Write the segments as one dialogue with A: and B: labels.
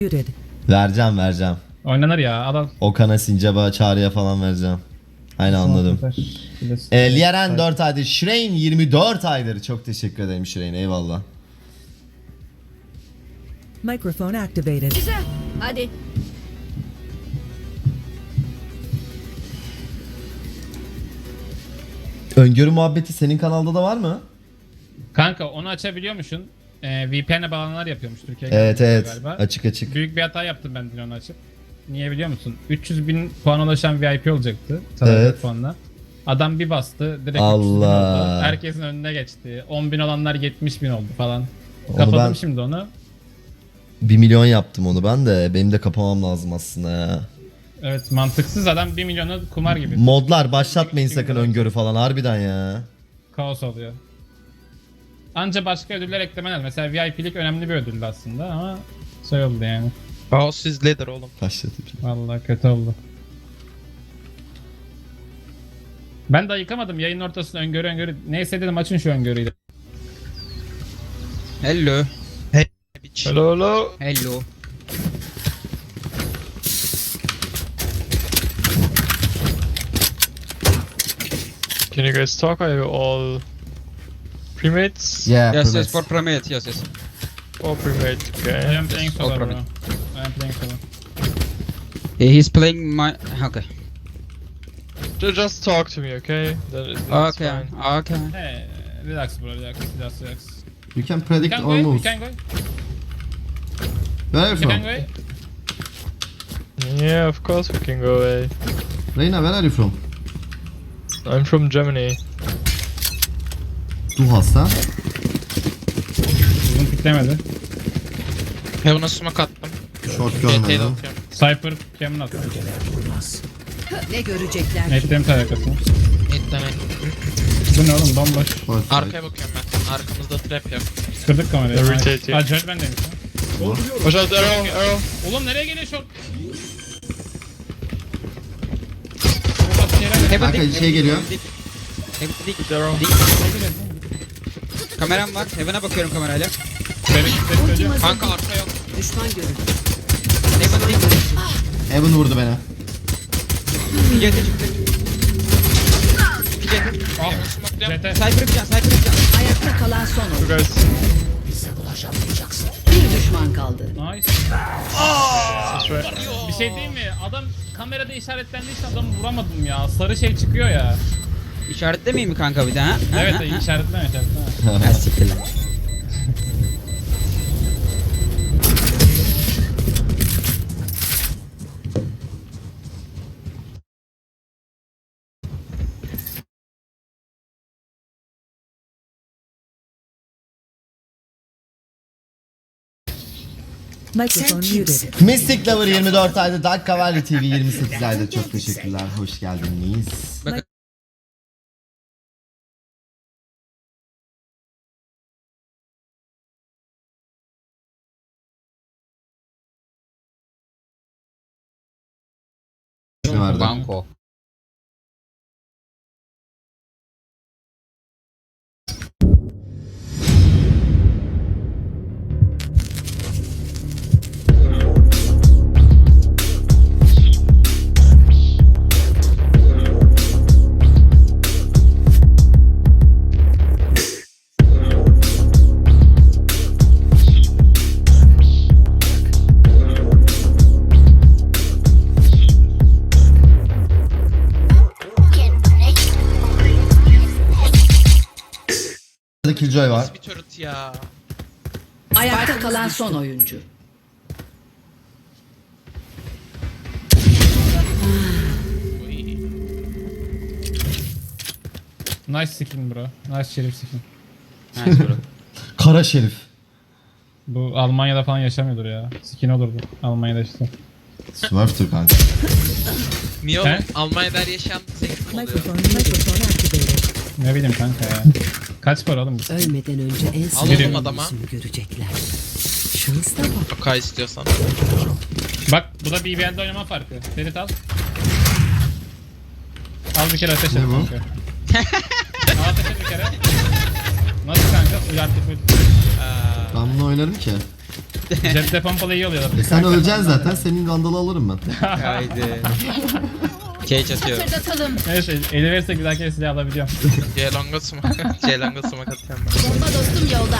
A: Muted.
B: Vereceğim.
C: Oynanır ya adam.
B: Okan'a, Sincap'a, Çağrı'ya falan vereceğim. Aynen anladım. Lieren 4 aydır. Şireyn 24 aydır. Çok teşekkür ederim Şireyn. Eyvallah.
A: Microphone activated.
D: Güzel. Hadi.
B: Öngörü muhabbeti senin kanalda da var mı?
C: Kanka onu açabiliyormuşsun. VPN'e bağlananlar yapıyormuş Türkiye'ye.
B: Evet.
C: Galiba.
B: Açık.
C: Büyük bir hata yaptım ben dün onu açıp. Niye biliyor musun? 300.000 puan ulaşan VIP olacaktı.
B: Evet.
C: Puanla. Adam bir bastı. Direkt 300.000
B: Allah.
C: oldu. Herkesin önüne geçti. 10.000 olanlar 70.000 oldu falan.
B: Onu
C: Kapadım
B: ben-
C: şimdi onu.
B: 1 milyon yaptım onu ben de. Benim de kapamam lazım aslında ya.
C: Evet mantıksız adam 1 milyonu kumar gibi.
B: Modlar başlatmayın sakın öngörü falan harbiden ya.
C: Kaos oluyor. Anca başka ödüller eklemen lazım. Mesela VIP'lik önemli bir ödüldü aslında ama şey oldu yani.
E: Kaos izledir oğlum.
B: Başlatayım.
C: Vallahi kötü oldu. Ben de yıkamadım yayının ortasında öngörü. Neyse dedim açın şu öngörüyü.
F: Hello.
E: Hello.
F: Hello.
E: Can you guys talk? Are you all premates?
B: Yeah,
F: Yes,
B: permits.
F: for Primate, yes.
E: All premate,
C: I
E: okay.
C: am playing solo bro.
F: problem.
C: I am playing solo.
F: He's playing my... Okay.
E: Just talk to me, okay? That's
F: Okay,
E: fine.
F: okay.
C: Hey, relax bro, relax.
B: You can
C: You
B: predict
C: can
B: all
C: go, you
B: moves.
C: can go.
B: Where are you
C: You can
B: from?
C: go.
E: Yeah, of course we can go away.
B: Reyna, where are you from?
E: I'm from Germany.
B: Du hast ha?
C: Uzun piklemedi.
G: Heaven'a smoke attım.
B: Short
G: GT'de
B: görmedim.
G: atıyorum.
C: Cypher Cameron attı.
A: Ne görecekler?
C: Netlerim tarakasını.
G: Netlemek.
C: Bu ne oğlum bomboş.
B: Short side.
G: Arkaya bakıyorum ben. Arkamızda trap yok.
C: Kırdık kamerayı.
E: Irritate you.
C: Aa Jet bendeymiş lan.
E: Watch out, arrow.
C: Oğlum nereye geliyor şok?
F: Heaven
B: Kanka
F: dik.
B: şey geliyor.
F: Heaven dik.
E: Good arrow.
F: Dik. Kameram var. Heaven'a bakıyorum kamerayla.
G: Kanka arka yok.
A: Düşman görüldü.
F: Heaven dik.
B: Evan vurdu beni.
F: PJT çıktı. PJT.
G: Heaven smoke'luyorum.
C: CT.
F: Cypher bir can, Cypher bir can.
A: Ayakta kalan son
E: You
A: oyun.
E: guys.
A: Bir düşman kaldı.
C: Nice.
E: That's right.
C: Bir şey değil mi? Adam kamerada işaretlendiği için adamı vuramadım ya. Sarı şey çıkıyor ya.
F: İşaretlemeyeyim mi kanka bir daha?
C: Evet işaretleme.
F: Ha siktir lan.
A: Microphone muted.
B: Mystic Lover 24 ayda, Dark Cavalry TV 28 ayda. Çok teşekkürler. Hoş geldiniz.
F: Bakın.
B: Ne vardı?
F: Banko.
B: Burada Killjoy var.
G: Bir turret ya.
A: Ayakta kalan son oyuncu.
C: Nice skin bro. Nice şerif skin.
F: Nice bro.
B: Kara Şerif.
C: Bu Almanya'da falan yaşamıyordur ya. Skin olurdu Almanya'da işte.
B: Smurf'tur kanka.
G: Niye
C: He?
G: oğlum? Almanya'da her yaşayan zengin oluyor.
A: Mikrofon activated.
C: Ne bileyim kanka ya. Kaç para oğlum bu?
A: Ölmeden önce en
G: Alalım
A: sevdiğim
G: adama.
A: yüzünü görecekler. Şansa bak.
G: Okay istiyorsan.
C: Bak bu da BBL'de oynama farkı. Ferit al. Al bir kere ateş et
B: Ne bu?
C: kanka. Al ateş et bir kere. Nasıl kanka? Uyartı full.
B: Ben bunu oynarım ki.
C: Cepte pompalı iyi oluyorlar.
B: Sen öleceksin zaten. Senin Vandal'ı alırım ben.
F: Haydi. Cage atıyorum.
C: Neyse eli verirse güzel kere silah alabiliyorum.
G: C-Long'a smoke. C-Long'a smoke atıyorum ben.
D: Bomba dostum yolda.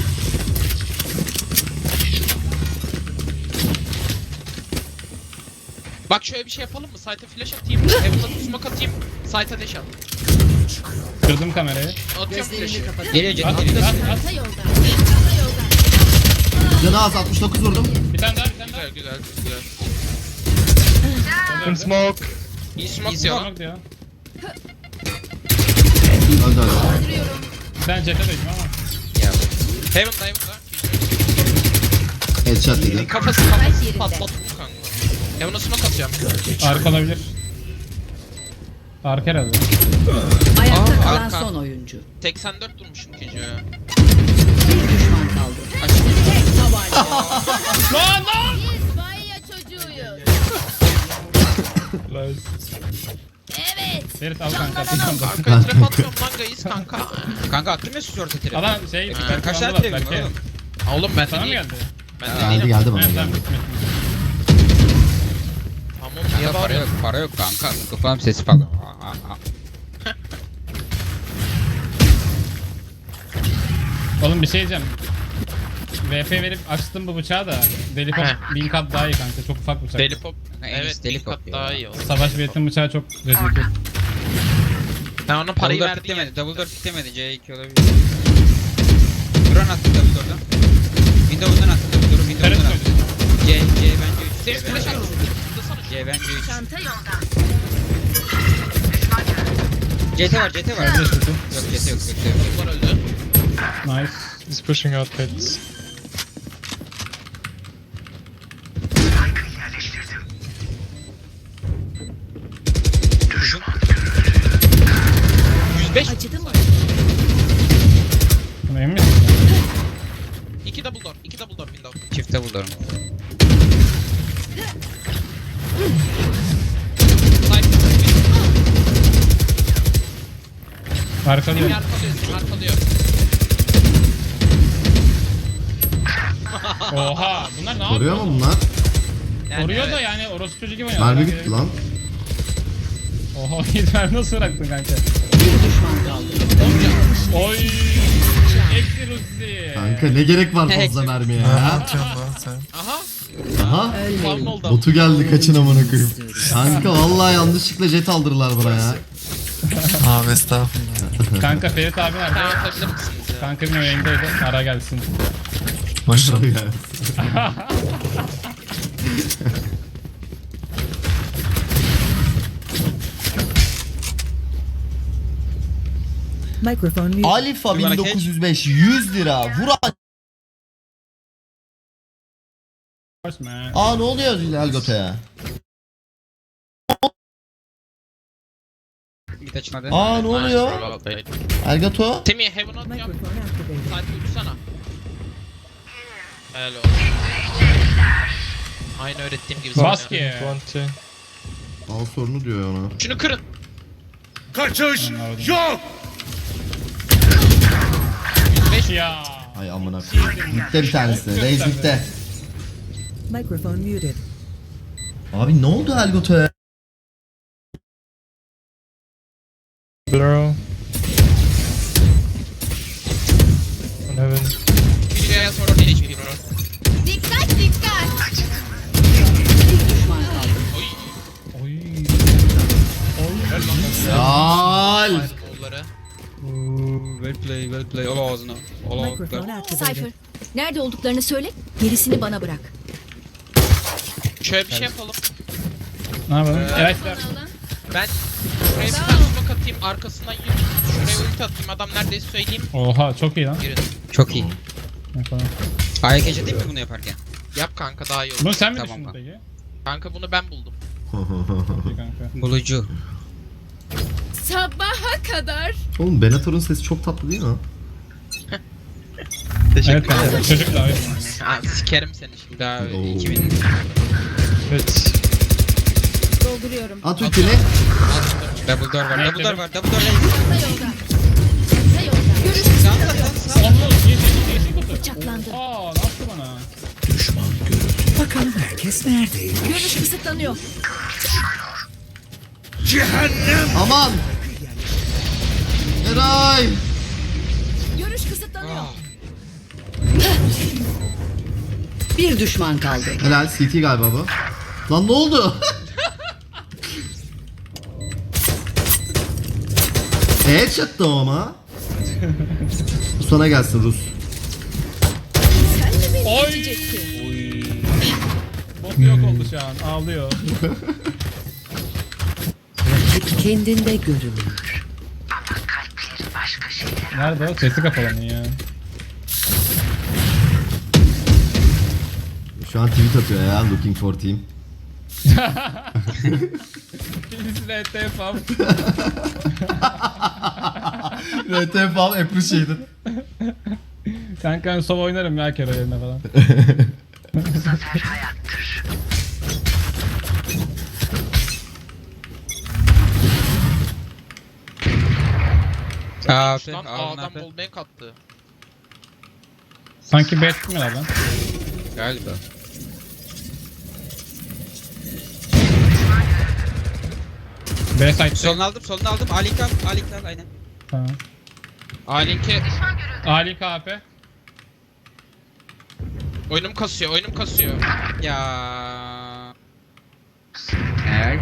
G: Bak şöyle bir şey yapalım mı? Site'e flash atayım. Heaven'a smoke atayım. Site'a dash at.
C: Kırdım kamerayı.
G: Atıyorum flash'ı.
F: Geliyor Jet
C: At
F: geliyor.
C: at at.
D: Çanta yolda. Çanta yolda.
B: Canı az 69 vurdum.
C: Bir tane daha bir tane daha.
G: Güzel güzel.
E: In smoke.
G: İyi smoke diyor lan.
C: Smoke diyor.
B: Öldü öldü.
C: Ben jet'e döndüm ama.
G: Heaven'da.
B: Headshot dedi.
G: Kafası patlattı bu kanka. Heaven'a smoke atıyorum.
C: Arka olabilir. Arka herhalde.
A: Ayakta
G: Aa,
A: kalan
G: arka.
A: son oyuncu.
G: 84 durmuşum ikinci ya.
A: Bir düşman kaldı.
D: İspanya çocuğuyuz.
E: Nice.
D: Evet.
C: Ferit al kanka.
G: Kanka trap atıyorum lan guys kanka.
F: Kanka attım ya şu orta tiri.
C: Adam şey...
F: Kaç tane
C: var
F: tiri
C: belki.
F: oğlum?
G: Oğlum ben
C: Sana mı
G: de değilim.
C: geldi?
G: Ben de
B: Geldi
G: değilim.
B: geldi bana
C: Evet
B: geldi.
C: tamam.
G: Tamam niye
F: Kanka para
G: bağırıyorsun?
F: yok, para yok kanka. Kafam sesi falan.
C: Oğlum bir şey diyeceğim. VP verip açtım bu bıçağı da deli pop
G: Heh.
C: 1000 kat daha iyi kanka. Çok ufak bıçak.
G: Deli pop.
F: En iyisi
G: Evet
F: deli
G: deli
F: pop
G: kat
F: ya.
G: daha iyi oldu.
C: Savaş biletin bıçağı çok rezil.
G: Ben ona parayı
F: Double door
G: verdim ya.
F: kitlemedi, double door kitlemedi. C2 olabilir. Drone attı double door'dan. Windows'dan attı double door'u,
C: Ferit
F: Windows'dan attı.
C: söyledi.
F: C bence 3.
G: Senin flash attın. Zıplasana.
F: C bence 3.
D: Çanta yolda.
F: CT var, CT var.
C: Öldü şutu.
F: Yok CT yok, CT yok.
G: Bunlar öldü.
C: Nice.
E: He's pushing out pits.
F: Uzun.
G: 105.
D: Acıdı mı?
C: Bunu emin misin?
G: 2 double door. 2 double door window.
F: Çift double door.
C: Harika diyor.
G: Seni arkalıyor. Seni arkalıyor.
C: Oha bunlar ne
B: Koruyor
C: yapıyor?
B: mu bunlar?
G: evet.
C: Koruyor da yani orospu çocuğu gibi oynuyor.
B: Mermi gitti lan.
C: Oha mermi nasıl bıraktın kanka?
A: Bir düşman kaldı.
C: Oy. Eksi Ruzi.
B: Kanka ne gerek var fazla mermiye ya?
G: Aha.
B: Aha.
G: Farm oldu.
B: Botu geldi kaçın amına koyayım. Kanka vallahi yanlışlıkla jet aldırdılar bana ya.
H: Abi estağfurullah.
C: Kanka Ferit abi
G: Sen
C: nerede?
G: atabilir misiniz ya?
C: Kanka benim yayındaydı. Ara gelsin.
H: Maşallah.
A: Microphone mute.
B: Alifa 1905 100 lira. Vur.
C: Hoş man.
B: Aa ne oluyor Elgot'a?
F: Mid açılmadı.
B: Aa ne oluyor? Elgato?
G: Semih heaven atıyorum.
A: Microphone activated.
G: Site uçsana. Helal olsun. Aynı öğrettiğim gibi.
C: Bas
G: sana.
C: ki.
E: 20.
B: Al sorunu diyor ona.
G: Şunu kırın.
C: Ya.
B: Ay amına koyayım. Gitti bir tanesi. Reis gitti.
A: Microphone muted.
B: Abi ne oldu Elgot'a?
E: Blur. On heaven.
G: İkinci yaya sonra değil hiçbir bro.
D: Dikkat dikkat.
A: Bir düşman kaldı.
C: Oy.
B: Yal.
G: Onları.
F: Well play. Ol ağzına. Ol ağzına.
A: Microphone activated.
D: Cypher. Nerede olduklarını söyle. Gerisini bana bırak.
G: Şöyle bir şey yapalım.
C: Ne yapalım? Evet.
G: Ben şuraya bir tane smoke atayım. Arkasından yürüyün. Şuraya ulti atayım. Adam neredeyse söyleyeyim.
C: Oha çok iyi lan.
G: Girin.
F: Çok iyi.
C: Yapalım.
F: Ayak değil mi bunu yaparken?
G: Yap kanka daha iyi olur.
C: Bunu sen mi
F: Tamam
C: düşündün
F: kanka.
C: peki?
G: Kanka bunu ben buldum.
C: Çok iyi kanka.
F: Bulucu.
D: Sabaha kadar.
B: Oğlum Benator'un sesi çok tatlı değil mi?
C: Evet kanka. Çocuk da öyle.
G: Ha, sikerim seni şimdi.
F: Daha
B: Oo.
F: 2000.
E: Pits.
D: Dolduruyorum.
B: At ultini.
F: Double door var.
C: Ne
F: Double door
C: dedim?
F: var. Double door.
D: Çanta yolda. Çanta yolda. Görüşürüz.
F: Sağ sağ sağ.
C: Allah yeşil kutu.
D: Bıçaklandı.
C: Aa ne yaptı bana?
A: Bakalım herkes neredeydi?
D: Görüş kısıtlanıyor.
B: Aman! Eray!
D: Görüş kısıtlanıyor.
A: Bir düşman kaldı.
B: Helal CT galiba bu. Lan ne oldu? Headshot'tı o ama. Bu sana gelsin Rus.
D: Sen de beni
C: Oy!
D: geçecektin.
C: Bot yok oldu şu an. Ağlıyor.
A: Kendinde görünür.
C: Nerede o? Sesi kapalı ya.
B: Şu an tweet atıyor ya, looking for team.
C: Birisi de ETF al.
B: RTF al, appreciated.
C: Kanka ben sova oynarım ya kere yerine falan.
F: Aa,
G: Şuradan A'dan bol bank attı.
C: Sanki bet mi lan?
F: Galiba.
C: B site.
F: Solunu aldım, solunu aldım. Alink al, Alink al aynen.
C: Tamam.
G: A-Link'e
C: Ali KP.
G: oyunum kasıyor, oyunum kasıyor.
F: Ya. Helal.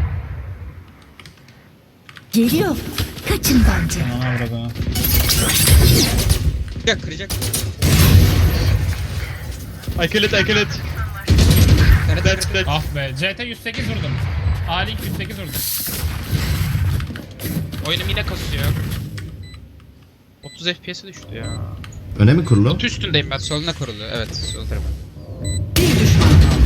D: Geliyor. Kaçın bence.
C: Aman avradına.
F: Kıracak, kıracak.
E: I kill it, I kill it. Dead, dead.
C: Ah be. CT 108 vurdum. A-Link 108 vurdum.
G: Oyunum yine kasıyor. 30 FPS'e düştü ya.
B: Öne mi kurulu?
G: Kutu üstündeyim ben.
F: Soluna kurulu, evet, sol tarafa.
A: Bir düşman kaldı.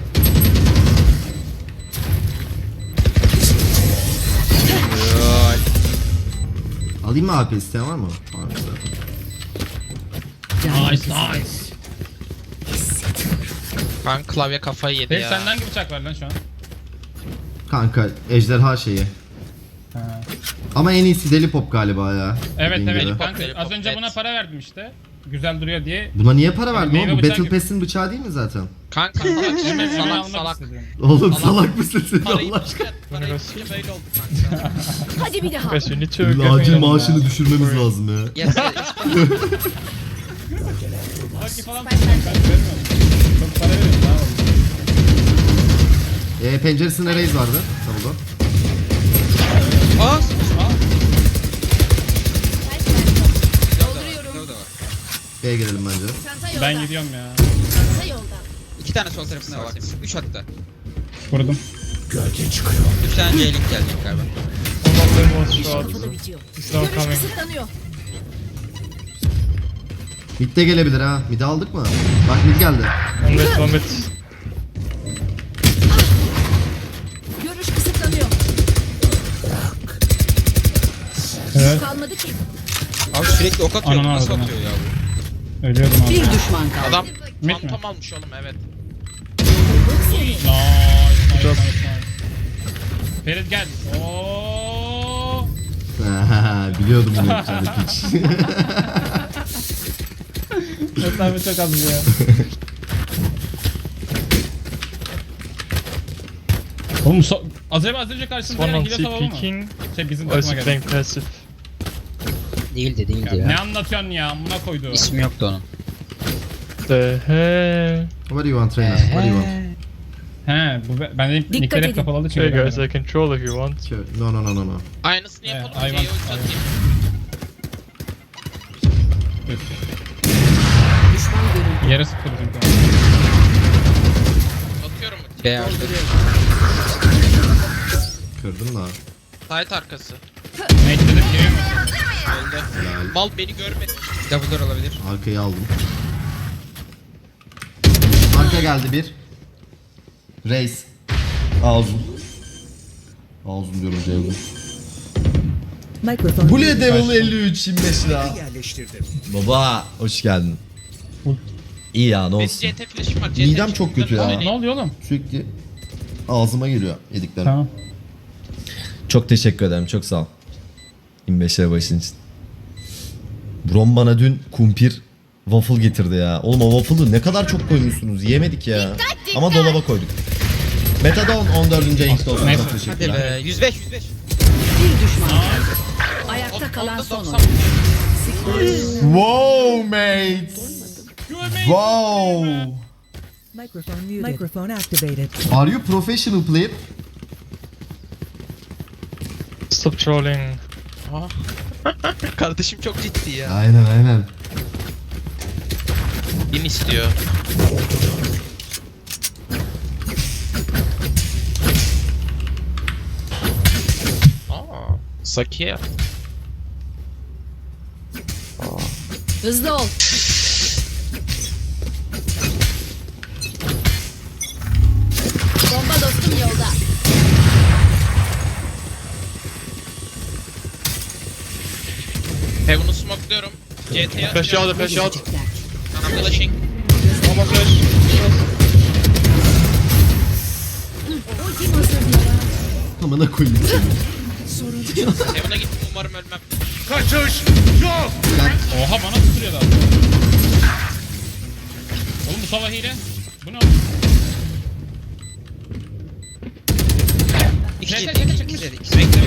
B: Alayım mı AP, isteyen var mı? Var mı zaten?
C: Nice nice.
G: Ben klavye kafayı yedi
C: Dave
G: ya.
C: senden hangi bıçak var lan şu an?
B: Kanka ejderha şeyi.
C: Ha.
B: Ama en iyisi deli pop galiba ya.
C: Evet
B: dediğin
C: evet
B: gibi.
C: kanka
G: Deli
C: az
G: pop,
C: önce
G: evet.
C: buna para verdim işte. Güzel duruyor diye.
B: Buna niye para verdin
C: Meyve
B: oğlum? Bu
C: bıçağı
B: Battle
C: gibi.
B: Pass'in bıçağı değil mi zaten?
G: Kanka
C: Hemen
G: salak
C: almak
G: salak.
C: istedim.
B: Oğlum
G: Allah-
B: salak mısın sen
G: Parayı
B: Allah aşkına?
G: parayı bitince böyle oldu kanka.
D: Hadi bir daha.
E: Guys, you need to
B: Acil
E: get me
B: maaşını düşürmemiz lazım ya.
F: Yes,
C: Baki falan tutmayın kanka vermiyorum. Çok para veriyorum daha oldu.
B: Penceresinde raise vardı. Tamam.
F: Aa,
D: Dolduruyorum.
F: Solda var.
B: B'ye gelelim bence.
D: Çanta yolda.
C: Ben gidiyorum ya.
D: Çanta yolda.
F: 2 tane sol tarafında var. 3 hatta.
C: Vurdum.
F: 3 tane C-Link gelecek galiba.
E: One of them was shot.
D: Kafada bitiyor.
E: It's now
D: Görüş
E: coming.
D: kısıtlanıyor.
B: Mid de gelebilir ha. Mid'i aldık mı? Bak mid geldi.
E: One mid.
D: Görüş kısıtlanıyor.
C: Evet.
D: Kalmadı ki.
F: Abi sürekli ok atıyor.
C: Ananı
F: Nasıl
C: avradını.
F: atıyor ya bu?
C: Ölüyordum abi.
A: Bir düşman kaldı.
G: Adam
C: mi?
G: fantom almış oğlum evet.
C: Nice, nice, nice. Ferit gel. Oo.
B: Biliyordum bunu yapacağını piç.
C: Mesafe çok az ya. Oğlum az önce karşımda
E: One on
C: hile
E: C
C: savunma mı?
E: peeking.
C: Şey bizim
E: Or is
C: takıma
E: he
C: geldi.
E: playing passive?
F: Değildi
C: Ya, ne anlatıyorsun ya? Buna koydu.
F: İsmi yoktu onun.
E: The hell?
B: What do you want trainer? What do you want?
C: He, bu ben de nickler hep
D: edin.
C: kapalı çünkü.
E: Hey guys,
C: ben
E: I control if you want.
B: No no no no no.
G: Aynısını yapalım.
C: hayvan,
G: C'ye ulti
C: hayvan.
G: atayım.
A: Düşman görüldü.
C: Yere sıktı bizim kanka.
G: Atıyorum.
F: B aldı.
B: Kırdım da.
G: Site arkası.
C: Neyse dedim giriyor mu?
G: Öldü.
B: Helal.
G: Mal beni görmedi.
F: Double door olabilir.
B: Arkayı aldım. Arka geldi bir. Reis. Ağzım. Ağzım diyorum Ceyhun.
A: Microphone
B: Bully
A: muted.
B: Devil 53 25 lira. Baba hoş geldin. İyi ya ne
G: Benim
B: olsun.
G: CT flash'im var. CT
B: Midem çok kötü ya.
C: Ne oluyor oğlum?
B: Sürekli ağzıma geliyor yediklerim.
C: Tamam.
B: Çok teşekkür ederim, çok sağ ol. 25 lira başın için. Brom bana dün kumpir waffle getirdi ya. Oğlum o waffle'ı ne kadar çok koymuşsunuz, yemedik ya. Ama dolaba koyduk. Metadon 14. ayın olsun.
C: Neyse.
B: Çok
F: Hadi
B: teşekkürler.
F: be 105 105.
A: Bir düşman kaldı. Ayakta kalan
G: Onda
A: son
G: 90.
A: oyuncu.
B: Wow mates. Wow.
I: Microphone muted. Microphone activated.
B: Are you professional player?
E: Stop trolling.
F: Kardeşim çok ciddi ya.
B: Aynen.
G: Bin istiyor. Aa, Sakiye.
D: Hızlı ol. Bomba dostum yolda.
G: Heaven'ı smokluyorum. CT'ye
E: Flash out, flash out.
G: I'm flashing.
E: Bomba flash.
D: Ultim hazır mı?
B: Amına koyayım seni.
G: Heaven'a gittim umarım ölmem.
C: Oha bana tutuyor da. Oğlum bu sabah hile. Bu ne oğlum?
F: İki
C: Neyse,
F: jet,
C: neyse,
F: iki
C: çıkmış.
F: jet, iki jet.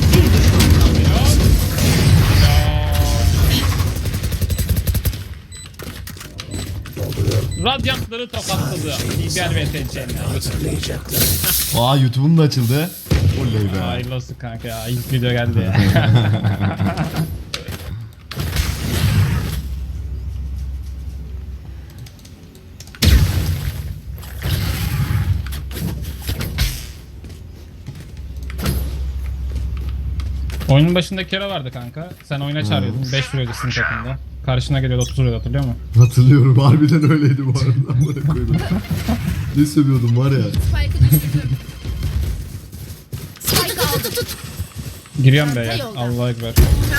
C: Radyantları tokatladı. İber ve seçenler.
B: Aa YouTube'um da açıldı. Oley be.
C: Hayırlı olsun kanka ya. İlk video geldi ya. Oyunun başında Kera vardı kanka. Sen oyuna çağırıyordun. 5 vuruyordu sizin takımda. Karşına geliyordu 30 vuruyordu, hatırlıyor musun?
B: Hatırlıyorum, harbiden öyleydi bu arada. Amına koydum. Ne sövüyordum var ya.
D: Spike'ı düşürdüm. Spike aldım.
C: Giriyorum be ya.
D: Çanta yolda.
C: Allah'a ekber.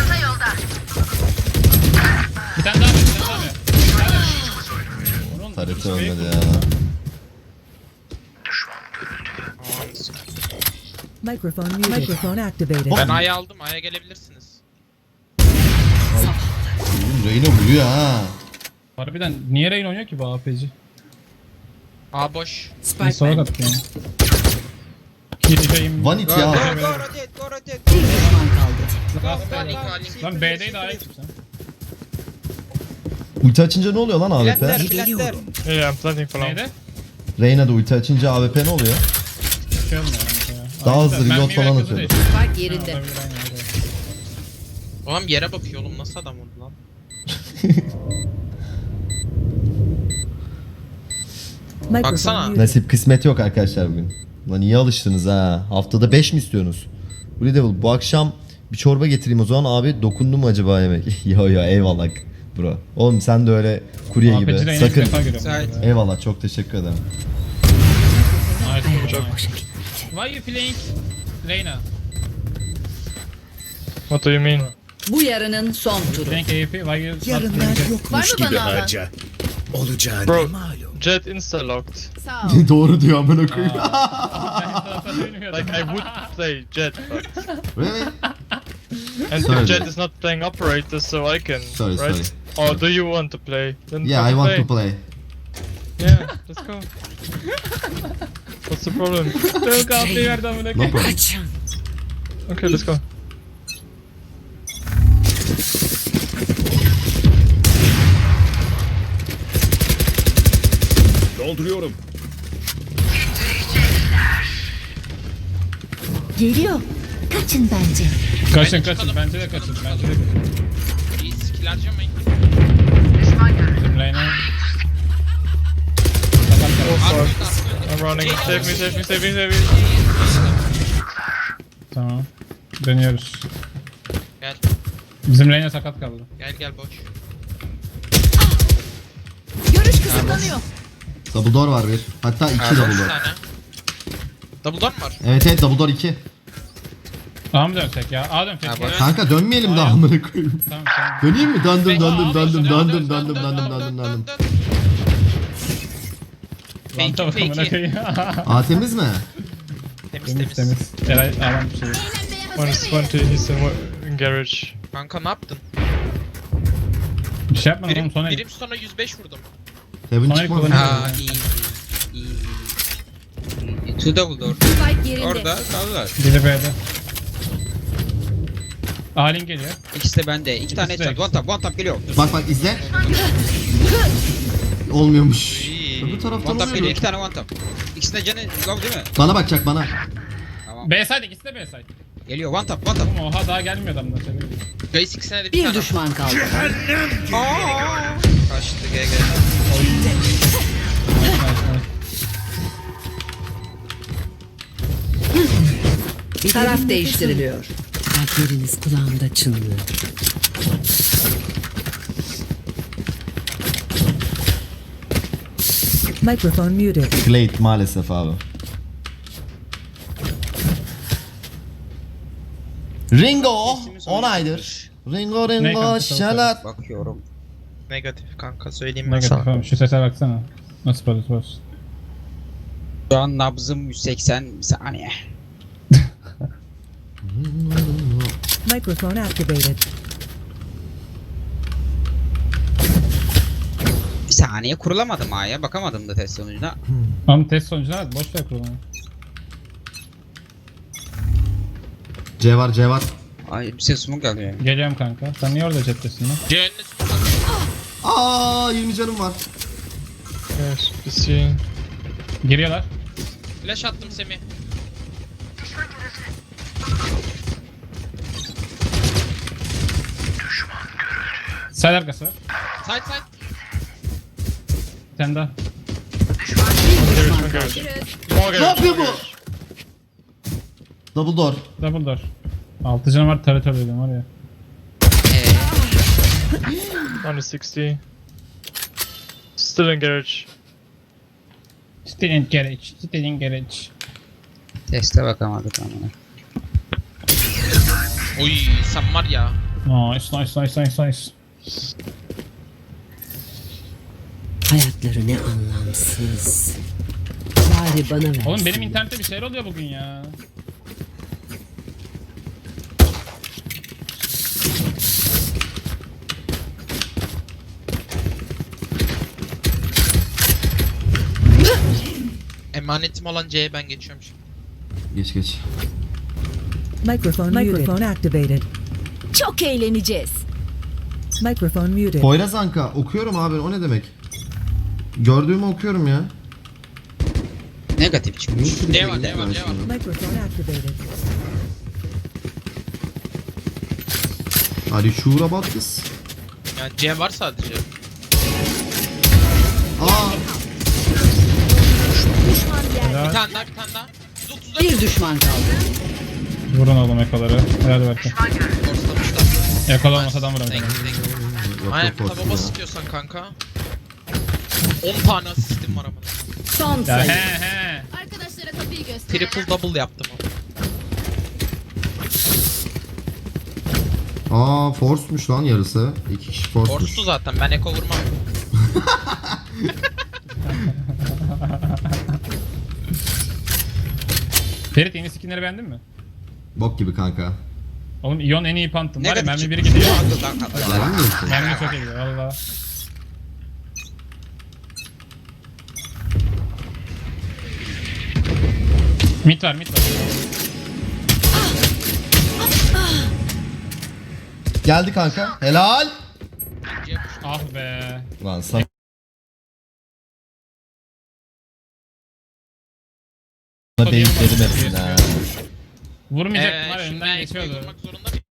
C: Bir tane daha ver, bir tane daha ver. Oğlum,
B: Tarifte
C: şey-
B: ölmedi ya.
I: Microphone muted. Microphone activated.
G: Ben A'yı aldım. A'ya gelebilirsiniz.
B: Oğlum Reyna vuruyor ha.
C: Harbiden niye Rain oynuyor ki bu AP'ci?
G: A boş.
C: Bir
A: Spike
C: sola
A: bende.
C: attı yani. Gireceğim.
B: One hit
F: Go
B: ya.
F: go rotate go rotate.
A: Bir düşman kaldı.
C: Lan B'deydi A'ya gittim sen.
B: Ulti açınca ne oluyor lan AWP?
F: Plantler plantler.
E: Yeah, I'm planting for now.
C: Neydi?
B: Reyna'da ulti açınca AWP ne oluyor?
C: Bir şey olmuyor yani.
B: Daha hızlı
C: Mermi
B: reload falan
C: ve
B: atıyor.
C: kızı da
A: Spike
C: işte.
A: yerinde.
C: Ha, olabilir, aynen öyle.
G: Oğlum yere bakıyor oğlum. Nasıl adam oldu lan?
I: Microphone
G: Baksana.
I: muted.
B: Nasip kısmet yok arkadaşlar bugün. Lan iyi alıştınız ha. Haftada 5 mi istiyorsunuz? Blue Devil bu akşam bir çorba getireyim o zaman abi, dokundu mu acaba yemek? yo eyvallah bro. Oğlum sen de öyle kurye
C: AP'ci
B: gibi.
C: Rain'i ilk
B: Sakın.
C: defa görüyorum.
F: Sait.
B: Eyvallah, çok teşekkür ederim.
C: Nice, good job. Why you playing Reyna?
E: What do you mean?
A: Bu yarının son turu.
C: Playing AWP, why you not
I: Yarınlar
C: playing?
I: yokmuş
D: Var mı bana alan?
E: Bro, Jet insta-locked.
D: Sağ ol.
B: Doğru diyor amına koyayım.
E: Like, I would play Jet, but...
B: Really?
E: And
B: Sorry.
E: Jet is not playing operator, so I can,
B: Sorry,
E: right? Or do you want to play? Then
B: Yeah, I want to play.
E: Yeah, let's go. What's the problem?
C: Yok AP'yi verdi amına
B: No
C: koyayım.
B: problem.
E: Okay, let's go.
D: Geliyor. Kaçın bence.
C: Kaçın bence de kaçın.
G: İyi skill harcamayın.
C: Bizim Reyna.
E: I'm running. Save me, save me, save me, save me.
C: Tamam. Dönüyoruz.
G: Gel.
C: Bizim Reyna sakat kaldı.
G: Gel boş.
D: Görüş kısıtlanıyor.
B: Double door var bir. Hatta 2 double
G: Bir
B: door.
G: tane. Double door mu var?
B: Evet double door 2.
C: A mı dönsek ya? A dönsek
G: Ha,
C: ya.
G: bak.
B: Kanka dönmeyelim daha amına koyayım.
C: Tamam.
B: Döneyim mi? Döndüm.
C: Dön,
G: Fake,
C: Lan
G: fake.
C: amına koyayım.
B: A temiz mi?
G: Temiz.
C: Temiz. Eray alan bir şey.
D: Eğlenmeye hazır
E: 120,
D: mıyız?
E: he's in garage.
G: Kanka ne yaptın?
C: Bir şey yapmadım oğlum sonra.
G: Birim sonra 105 vurdum.
B: Heaven
C: Sonra
B: çıkmadı.
C: kullanıyor.
G: Ha iyi.
F: Two double door.
D: Spike yerinde.
F: Orada kaldılar.
C: Biri B'de. Alin geliyor.
F: İkisi de bende. İki tane
C: İkisi de
F: headshot. One tap geliyor.
B: Bak bak izle. Olmuyormuş.
F: İyi.
B: Öbür taraftan
F: One tap geliyor.
B: oluyor.
F: İki tane one tap. İkisi de canı low değil mi?
B: Bana bakacak bana.
F: Tamam.
C: B side, ikisi de B side.
F: Geliyor one tap. One tap.
C: Oğlum oha daha gelmiyor adamlar.
G: Guys ikisine de bir
A: Bir
G: tane.
A: düşman kaldı.
F: Kaçtı GG.
A: Taraf değiştiriliyor. Kalpleriniz kulağımda çınlıyor.
I: Microphone muted.
B: Glade maalesef abi. Ringo 10 aydır. Ringo
C: Ne
B: Ringo
C: kanka,
B: şalat.
F: Bakıyorum.
E: Negatif kanka söyleyeyim ben
C: Negatif
E: sana.
C: oğlum, şu sese baksana. Nasıl parası
F: Şu an nabzım 180 saniye.
I: Microphone activated.
F: Bir saniye kurulamadım A'ya. Bakamadım da test sonucuna.
C: Oğlum test sonucuna hadi boş ver kurulunu.
B: C var C var.
F: Ay bir ses smoke geliyor.
C: Geliyorum kanka. Sen niye orada chattesin lan?
G: Cehennem
B: Aa 20 canım var.
E: Yes, bir şey.
C: Giriyorlar.
G: flash attım Semih.
C: Side arkası var.
G: Side side.
C: Sen daha.
B: Ne yapıyor bu? Double door.
C: Double door. 6 canım var, taret öldürdüm var ya.
E: 160. Still in garage.
C: Still in garage. Still in garage.
F: Teste bakamadık ama.
G: Oy sen var ya.
C: Nice.
A: Hayatları ne anlamsız. Bari bana ver.
C: Oğlum benim internette bir şeyler oluyor bugün ya.
G: Emanetim olan C'ye ben geçiyorum şimdi.
B: Geç geç.
I: Microphone activated.
D: Çok eğleneceğiz.
I: Microphone muted.
B: Poyraz Anka okuyorum abi o ne demek? Gördüğümü okuyorum ya.
F: Negatif çıkmış.
G: Ne var.
I: Microphone activated.
B: Are you sure about this?
G: Yani C var sadece.
B: Aa
G: Bir tane daha. 130'da
A: Bir düşman kaldı.
C: Vurun oğlum ekoları. Hadi bakayım.
G: forslamışlar.
C: Ekol olmasa adam vuramam.
G: Thank you. Aynen bir
B: yok,
G: taba bas istiyorsan kanka. 10 tane asistim var ama.
A: Son
C: Ya
A: sayı.
C: he.
D: Arkadaşlara kapıyı göster.
G: Triple double yaptım ama.
B: Aa force'muş lan yarısı. 2 kişi force'muş.
G: Force'tu zaten ben eko vurmam.
C: Ferit yeni skinleri beğendin mi?
B: Bok gibi kanka.
C: Oğlum Ion en iyi pantım var ya,
F: Negatif
C: mermi biri
F: çıkmış.
C: gidiyor.
B: Yalan mı diyorsun?
C: Mermi çok iyi gidiyor valla. Mid var.
B: Geldi kanka. Helal.
C: Ah be.
B: Lan sen denk dedim hepsini ha.
C: Vurmayacaktım var ya,
G: Şimdi
C: önden
G: ben ekoyu
C: geçiyordu.
G: vurmak zorunda mıyım?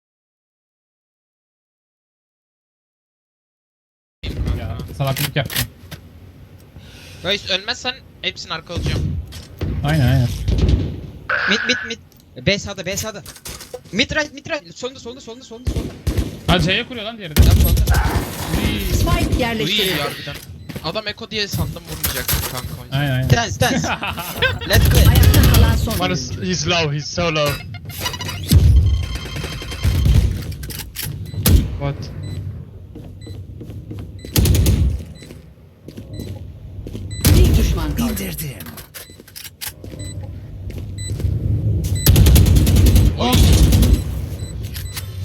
C: Ya salaklık yaptım.
G: Guys ölmezsen hepsini arkalayacağım.
C: Aynen.
F: Mid. B sağda. Mid right. Solunda.
C: Ha C'ye kuruyor lan diğeri de.
F: Tam solunda.
A: Spike
G: Uy
A: yerleştirildi.
G: harbiden. Adam eko diye sandım vurmayacaktım kanka.
C: Aynen.
F: Dance. Let's play.
A: Ayakta kalan son
E: One is,
A: oyuncu.
E: he's low, he's so low. What?
A: Bir düşman kaldı.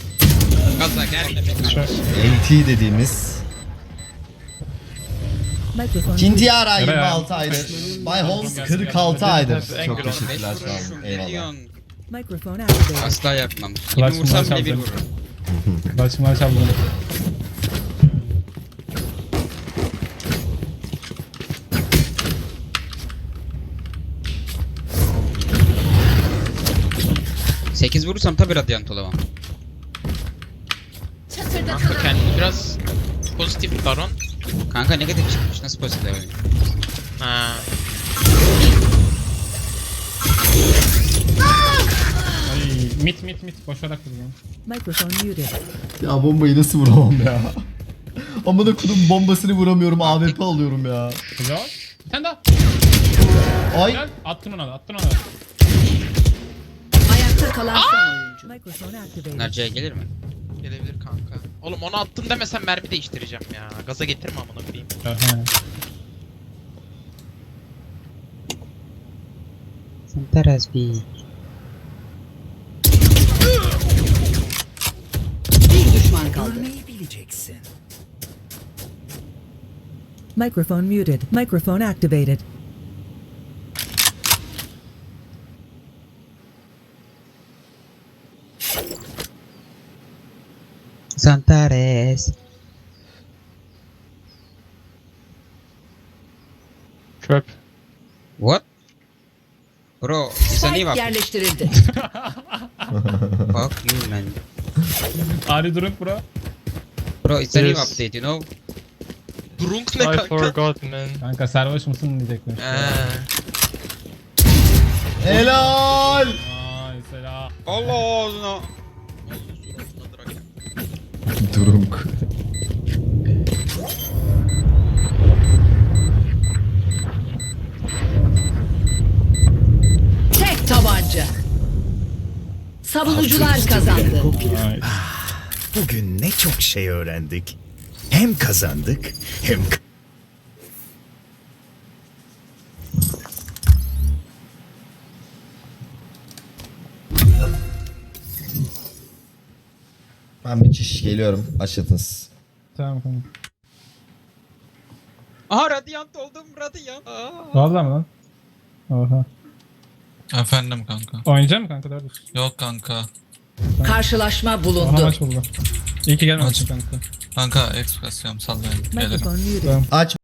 F: Gaza gelme be.
C: Şu
B: LT dediğimiz
I: Microphone muted.
B: Kintiara
C: Nereye?
B: 26 aydır. Bay Holmes 46 aydır. Çok
E: Engel
B: teşekkürler
F: Beş
B: sağ olun.
F: vuruşum, ne
B: Eyvallah.
F: diyorsun?
I: Microphone activated.
F: Asla yapmam.
C: Clutch
F: 20 vursam
C: bunlar
F: bile bir
C: çaldı.
F: vururum.
C: Başıma çaldım.
F: Sekiz vurursam tabi radyant olamam.
G: Kanka kendini biraz pozitif Baron.
F: Kanka negatif çıkmış. Nasıl pozitif oynayayım?
G: Ha.
C: Ay, mit boşarak vurdum.
I: Microphone muted.
B: Ya bombayı nasıl vuramam ya? Amına kodum bombasını vuramıyorum. AWP alıyorum ya.
C: Güzel. Bir tane daha.
B: Ay.
C: Güzel. Attın ona da, attın ona da.
A: Ayakta kalan son oyuncu.
I: Microphone activated.
F: Bunlar C'ye gelir mi?
G: Gelebilir kanka. Oğlum onu attım demesen mermi değiştireceğim ya. Gaza getirme amına koyayım.
C: Aha.
F: Santaras bir.
A: Bir düşman kaldı.
I: Microphone muted. Microphone activated.
F: Santares.
E: Trap.
F: What? Bro, it's a new
A: Spike
F: up.
A: yerleştirildi.
F: Fuck you man.
C: Ari durup bro.
F: Bro, it's a new
E: Yes.
F: update, you know?
G: Brunk ne
E: I
G: kanka?
E: forgot man.
C: Kanka sarhoş musun diyecekler.
B: Helal.
C: Ay selam.
F: Allah ağzına.
B: Durunk.
A: Tek tabanca. Savunucular kazandı.
C: Ay.
J: Bugün ne çok şey öğrendik. Hem kazandık hem
B: Ben bir çiş geliyorum. Başlatınız.
C: Tamam kanka.
F: Aha radyant oldum radyant.
C: Vallahi mi lan? Oha.
H: Efendim kanka.
C: Oynayacak mı kanka 4
H: Yok kanka.
A: Karşılaşma
C: Oha
A: bulundu.
C: maç buldu. İyi ki gelmemişsin kanka.
H: Kanka ekspresyon sallayın. Gelirim.
I: Microphone muted.
C: Tamam.
B: Aç